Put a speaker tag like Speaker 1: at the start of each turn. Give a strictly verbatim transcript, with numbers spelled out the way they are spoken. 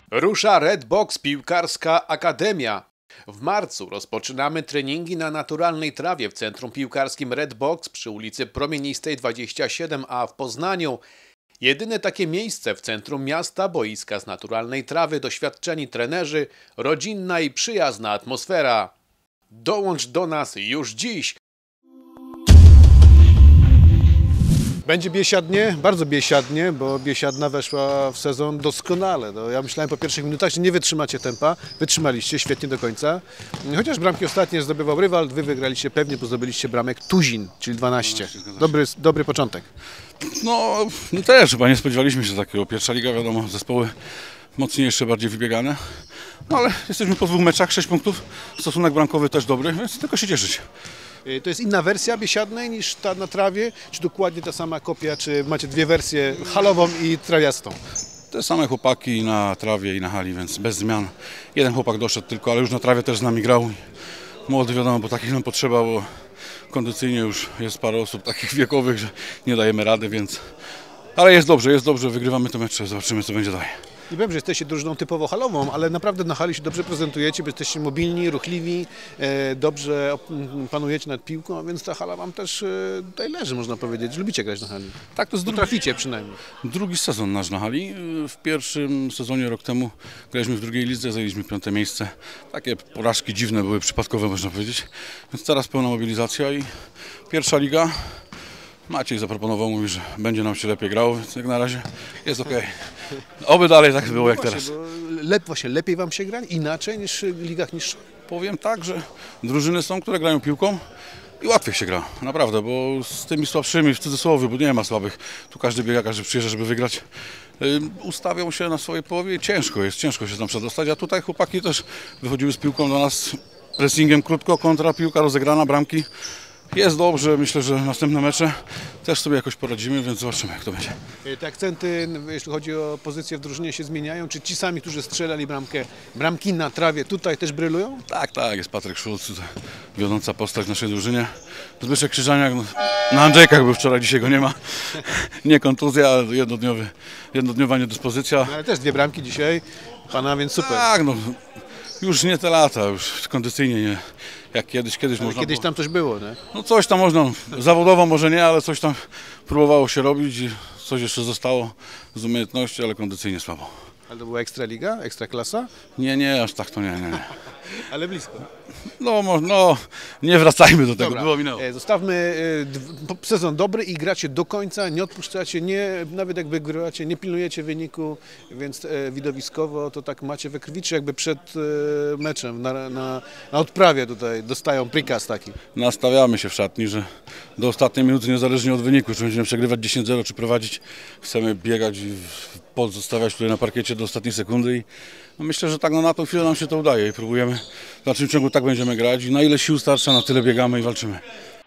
Speaker 1: Rusza Redbox Piłkarska Akademia. W marcu rozpoczynamy treningi na naturalnej trawie w centrum piłkarskim Redbox przy ulicy Promienistej dwadzieścia siedem A w Poznaniu. Jedyne takie miejsce w centrum miasta, boiska z naturalnej trawy, doświadczeni trenerzy, rodzinna i przyjazna atmosfera. Dołącz do nas już dziś! Będzie biesiadnie, bardzo biesiadnie, bo biesiadna weszła w sezon doskonale. No, ja myślałem po pierwszych minutach, że nie wytrzymacie tempa. Wytrzymaliście świetnie do końca. Chociaż bramki ostatnie zdobywał rywal, wy wygraliście pewnie, bo zdobyliście bramek Tuzin, czyli dwanaście. Dobry, dobry początek.
Speaker 2: No, my też chyba nie spodziewaliśmy się takiego. Pierwsza liga, wiadomo, zespoły mocniejsze, bardziej wybiegane. No ale jesteśmy po dwóch meczach, sześć punktów. Stosunek bramkowy też dobry, więc tylko się cieszyć.
Speaker 1: To jest inna wersja biesiadnej niż ta na trawie? Czy dokładnie ta sama kopia? Czy macie dwie wersje, halową i trawiastą?
Speaker 2: Te same chłopaki na trawie i na hali, więc bez zmian. Jeden chłopak doszedł tylko, ale już na trawie też z nami grał. Młody, wiadomo, bo takich nam potrzeba, bo kondycyjnie już jest parę osób takich wiekowych, że nie dajemy rady, więc... Ale jest dobrze, jest dobrze, wygrywamy te mecze, zobaczymy, co będzie dalej.
Speaker 1: Nie wiem, że jesteście drużyną typowo halową, ale naprawdę na hali się dobrze prezentujecie, bo jesteście mobilni, ruchliwi, dobrze panujecie nad piłką, więc ta hala wam też tutaj leży, można powiedzieć. Lubicie grać na hali.
Speaker 2: Tak, to jest drugi,
Speaker 1: traficie przynajmniej.
Speaker 2: Drugi sezon nasz na hali. W pierwszym sezonie rok temu graliśmy w drugiej lidze, zajęliśmy piąte miejsce. Takie porażki dziwne były, przypadkowe można powiedzieć. Więc teraz pełna mobilizacja i pierwsza liga. Maciej zaproponował, mówi, że będzie nam się lepiej grało, więc jak na razie jest okej. Oby dalej tak było
Speaker 1: no
Speaker 2: jak
Speaker 1: właśnie,
Speaker 2: teraz.
Speaker 1: Lep, właśnie lepiej wam się gra? Inaczej niż w ligach niższych?
Speaker 2: Powiem tak, że drużyny są, które grają piłką i łatwiej się gra, naprawdę, bo z tymi słabszymi, w cudzysłowie, bo nie ma słabych, tu każdy biega, każdy przyjeżdża, żeby wygrać, yy, ustawią się na swojej połowie i ciężko jest, ciężko się tam przedostać, a tutaj chłopaki też wychodziły z piłką do nas, pressingiem krótko, kontra, piłka rozegrana, bramki. Jest dobrze, myślę, że następne mecze też sobie jakoś poradzimy, więc zobaczymy, jak to będzie.
Speaker 1: Te akcenty, jeśli chodzi o pozycję w drużynie, się zmieniają? Czy ci sami, którzy strzelali bramkę, bramki na trawie, tutaj też brylują?
Speaker 2: Tak, tak, jest Patryk Szulc, tutaj wiodąca postać w naszej drużynie. Zbyszek Krzyżaniak, no, na Andrzejkach był wczoraj, dzisiaj go nie ma. Nie kontuzja, ale jednodniowy, jednodniowa niedyspozycja.
Speaker 1: No, ale też dwie bramki dzisiaj, pana, więc super.
Speaker 2: Tak, no, już nie te lata, już kondycyjnie nie. Jak kiedyś, kiedyś
Speaker 1: ale
Speaker 2: można
Speaker 1: kiedyś
Speaker 2: było...
Speaker 1: tam coś było, nie?
Speaker 2: No coś tam można, zawodowo może nie, ale coś tam próbowało się robić i coś jeszcze zostało z umiejętności, ale kondycyjnie słabo.
Speaker 1: Ale to była Ekstraliga? Ekstraklasa?
Speaker 2: Nie, nie, aż tak to nie, nie, nie.
Speaker 1: Ale blisko.
Speaker 2: No, no, nie wracajmy do tego,
Speaker 1: Dobra.
Speaker 2: było minęło.
Speaker 1: Zostawmy sezon dobry i gracie do końca, nie odpuszczacie, nie, nawet jak wygrywacie, nie pilnujecie wyniku, więc widowiskowo to tak macie we krwi, czy jakby przed meczem na, na, na odprawie tutaj dostają prikaz taki?
Speaker 2: Nastawiamy się w szatni, że do ostatniej minuty, niezależnie od wyniku, czy będziemy przegrywać dziesięć zero, czy prowadzić, chcemy biegać i pozostawiać tutaj na parkiecie do ostatniej sekundy i no myślę, że tak no, na tą chwilę nam się to udaje i próbujemy, w dalszym ciągu tak będziemy grać i na ile sił starcza, na tyle biegamy i walczymy.